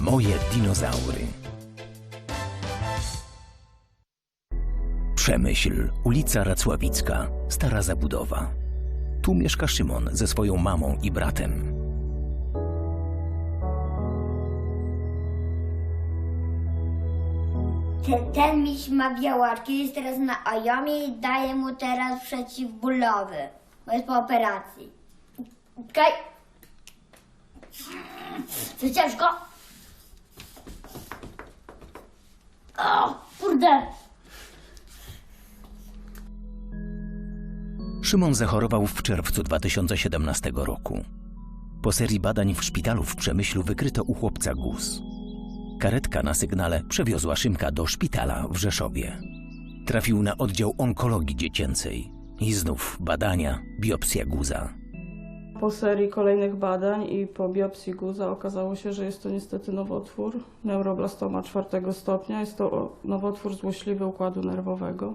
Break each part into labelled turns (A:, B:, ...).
A: Moje dinozaury. Przemyśl, ulica Racławicka, stara zabudowa. Tu mieszka Szymon ze swoją mamą i bratem.
B: Ten miś ma białaczki, jest teraz na ajomie i daje mu teraz przeciwbólowy. Bo jest po operacji. Czekaj. To ciężko. O, kurde.
A: Szymon zachorował w czerwcu 2017 roku. Po serii badań w szpitalu w Przemyślu wykryto u chłopca guz. Karetka na sygnale przewiozła Szymka do szpitala w Rzeszowie. Trafił na oddział onkologii dziecięcej. I znów badania, biopsja guza.
C: Po serii kolejnych badań i po biopsji guza okazało się, że jest to niestety nowotwór, neuroblastoma 4. stopnia. Jest to nowotwór złośliwy układu nerwowego.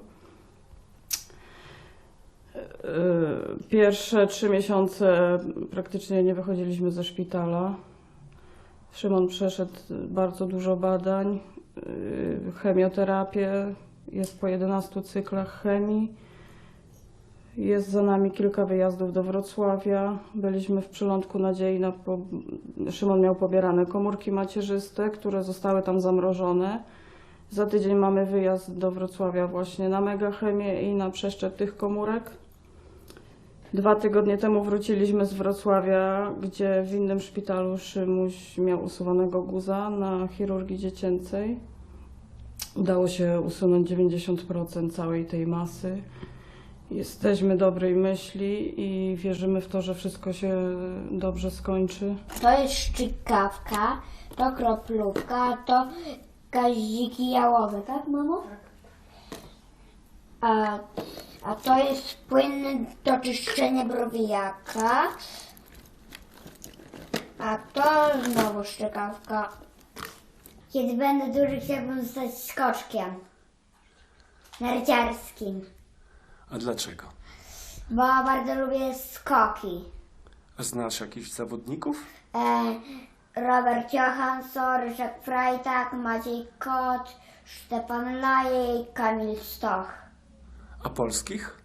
C: Pierwsze 3 miesiące praktycznie nie wychodziliśmy ze szpitala. Szymon przeszedł bardzo dużo badań, chemioterapię, jest po 11 cyklach chemii. Jest za nami kilka wyjazdów do Wrocławia. Byliśmy w Przylądku Nadziei. Szymon miał pobierane komórki macierzyste, które zostały tam zamrożone. Za tydzień mamy wyjazd do Wrocławia właśnie na megachemię i na przeszczep tych komórek. 2 tygodnie temu wróciliśmy z Wrocławia, gdzie w innym szpitalu Szymuś miał usuwanego guza na chirurgii dziecięcej. Udało się usunąć 90% całej tej masy. Jesteśmy dobrej myśli i wierzymy w to, że wszystko się dobrze skończy.
B: To jest szczykawka, to kroplówka, to gaziki jałowe, tak mamo? A to jest płyn do czyszczenia browijaka. A to znowu szczykawka. Kiedy będę duży, chciałbym zostać skoczkiem narciarskim.
D: A dlaczego?
B: Bo bardzo lubię skoki.
D: A znasz jakichś zawodników?
B: Robert Johansson, Ryszard Freitag, Maciej Kot, Stefan Laje i Kamil Stoch.
D: A polskich?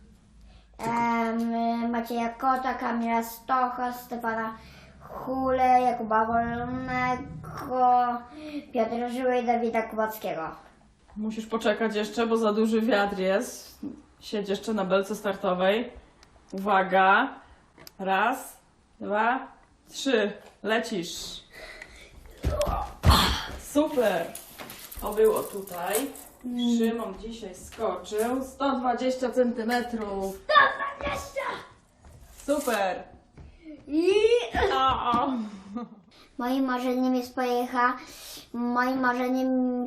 B: Macieja Kota, Kamila Stocha, Stefana Hule, Jakuba Wolnego, Piotra Żyły i Dawida Kubackiego.
C: Musisz poczekać jeszcze, bo za duży wiatr jest. Siedź jeszcze na belce startowej. Uwaga. 1, 2, 3. Lecisz. Super. To było tutaj. Szymon dzisiaj skoczył 120 cm.
B: 120!
C: Super.
B: Moim marzeniem jest moim marzeniem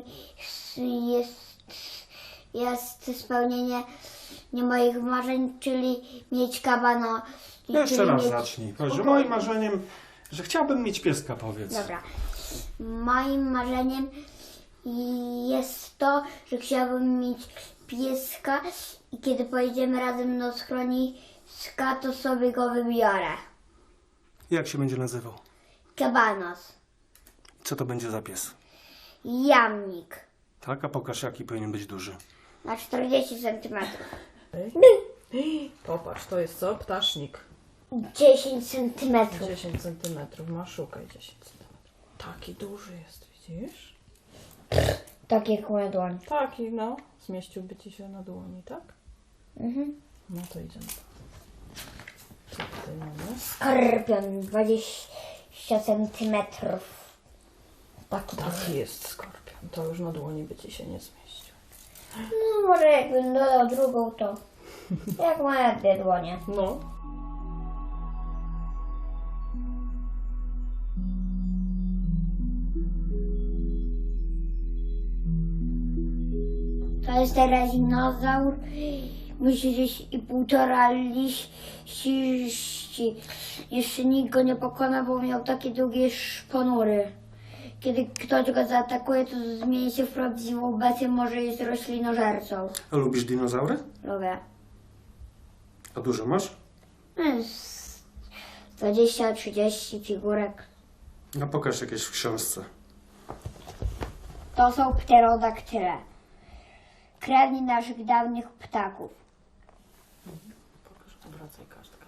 B: jest spełnienie moich marzeń, czyli mieć kabano.
D: Jeszcze raz zacznij. Powiedz, że moim marzeniem, że chciałbym mieć pieska, powiedz.
B: Dobra. Moim marzeniem jest to, że chciałabym mieć pieska i kiedy pojedziemy razem do schroniska, to sobie go wybiorę.
D: Jak się będzie nazywał?
B: Kabanos.
D: Co to będzie za pies?
B: Jamnik.
D: Tak, a pokaż jaki powinien być duży.
B: Na 40 cm.
C: Popatrz, to jest co? Ptasznik.
B: 10 cm.
C: 10 cm. Ma szukaj 10 cm. Taki duży jest, widzisz?
B: Tak jak moja dłoń.
C: Taki, no. Zmieściłby ci się na dłoni, tak?
B: Mhm.
C: No to idziemy. Co tutaj mamy?
B: Skorpion 20 cm.
C: Taki jest skorpion. To już na dłoni by ci się nie zmieścił.
B: No może jakbym dodał drugą, to jak moja 2 dłonie.
C: No.
B: To jest teraz dinozaur. Musi gdzieś i 1,5 liści. Jeszcze nikt go nie pokona, bo miał takie długie szponury. Kiedy ktoś go zaatakuje, to zmieni się w prawdziwą bestię, może jest roślinożercą.
D: A lubisz dinozaury?
B: Lubię.
D: A dużo masz?
B: 20-30 figurek.
D: A pokaż jakieś w książce.
B: To są pterodaktyle. Krewni naszych dawnych ptaków.
C: Pokaż, obracaj kartkę.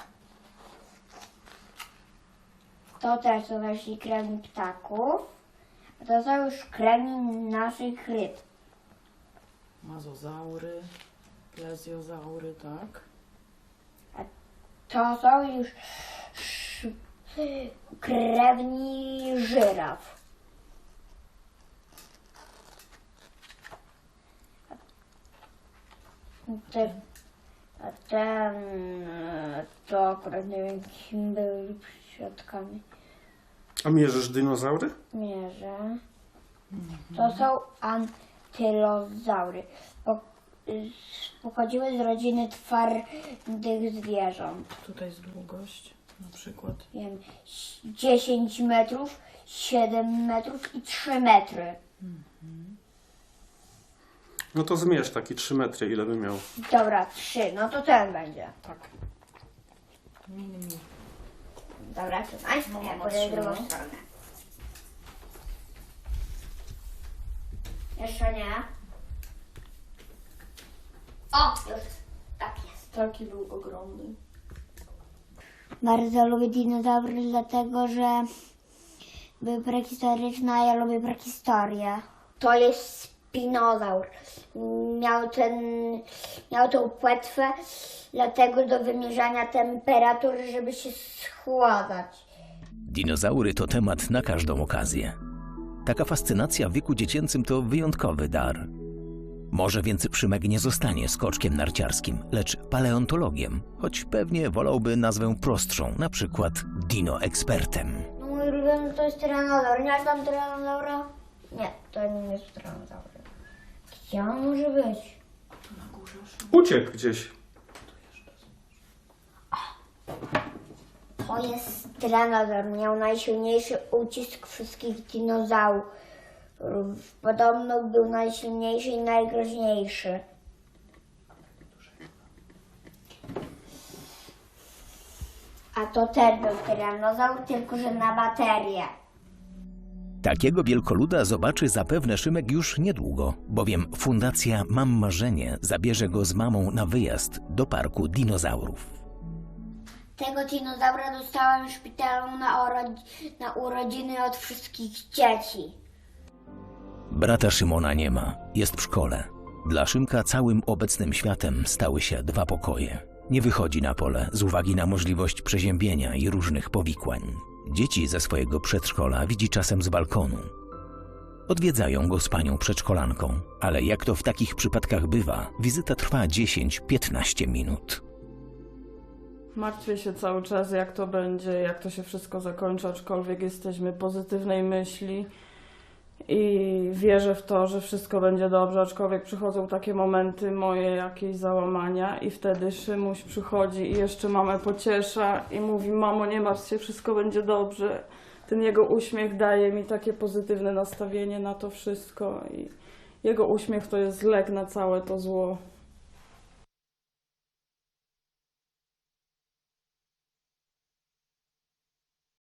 B: To też są nasi krewni ptaków. A to są już krewni naszych ryb.
C: Mazozaury, plezjozaury, tak?
B: To są już krewni żyraf. Ten to akurat nie wiem, kim byli świadkami.
D: A mierzysz dinozaury?
B: Mierzę. To są antylozaury. Pochodziły z rodziny twardych zwierząt.
C: Tutaj jest długość, na przykład.
B: Wiem, 10 metrów, 7 metrów i 3 metry.
D: No to zmierz taki 3 metry, ile by miał.
B: Dobra, 3, no to ten będzie.
C: Tak. Mini.
B: Dobra, trzymaj.
C: No,
B: Ja
C: mama
B: pójdę w
C: trzyma.
B: drugą stronę. Jeszcze nie. O, już. Tak jest.
C: Taki był ogromny.
B: Bardzo lubię dinozaury, dlatego że były prehistoryczne, a ja lubię prehistorię. To jest spinozaur. Miał tą płetwę, dlatego do wymierzania temperatury, żeby się schładzać.
A: Dinozaury to temat na każdą okazję. Taka fascynacja w wieku dziecięcym to wyjątkowy dar. Może więc Szymek nie zostanie skoczkiem narciarskim, lecz paleontologiem, choć pewnie wolałby nazwę prostszą, na przykład dino-ekspertem.
B: No mój ulubiony to jest tyranozaur. Nie masz tam tyranozaura? Nie, to nie jest tyranozaur. Gdzie on może być?
C: Na górze.
D: Uciekł gdzieś.
B: To jest tyranozaur. Miał najsilniejszy ucisk wszystkich dinozaurów. Podobno był najsilniejszy i najgroźniejszy. A to też był tyranozaur, tylko że na baterię.
A: Takiego wielkoluda zobaczy zapewne Szymek już niedługo, bowiem Fundacja Mam Marzenie zabierze go z mamą na wyjazd do parku dinozaurów.
B: Tego dinozaura dostałam w szpitalu na urodziny od wszystkich dzieci.
A: Brata Szymona nie ma, jest w szkole. Dla Szymka całym obecnym światem stały się 2 pokoje. Nie wychodzi na pole z uwagi na możliwość przeziębienia i różnych powikłań. Dzieci ze swojego przedszkola widzi czasem z balkonu. Odwiedzają go z panią przedszkolanką, ale jak to w takich przypadkach bywa, wizyta trwa 10-15 minut.
C: Martwię się cały czas, jak to będzie, jak to się wszystko zakończy, aczkolwiek jesteśmy pozytywnej myśli i wierzę w to, że wszystko będzie dobrze, aczkolwiek przychodzą takie momenty moje jakieś załamania i wtedy Szymuś przychodzi i jeszcze mamę pociesza i mówi: mamo, nie martw się, wszystko będzie dobrze. Ten jego uśmiech daje mi takie pozytywne nastawienie na to wszystko i jego uśmiech to jest lek na całe to zło.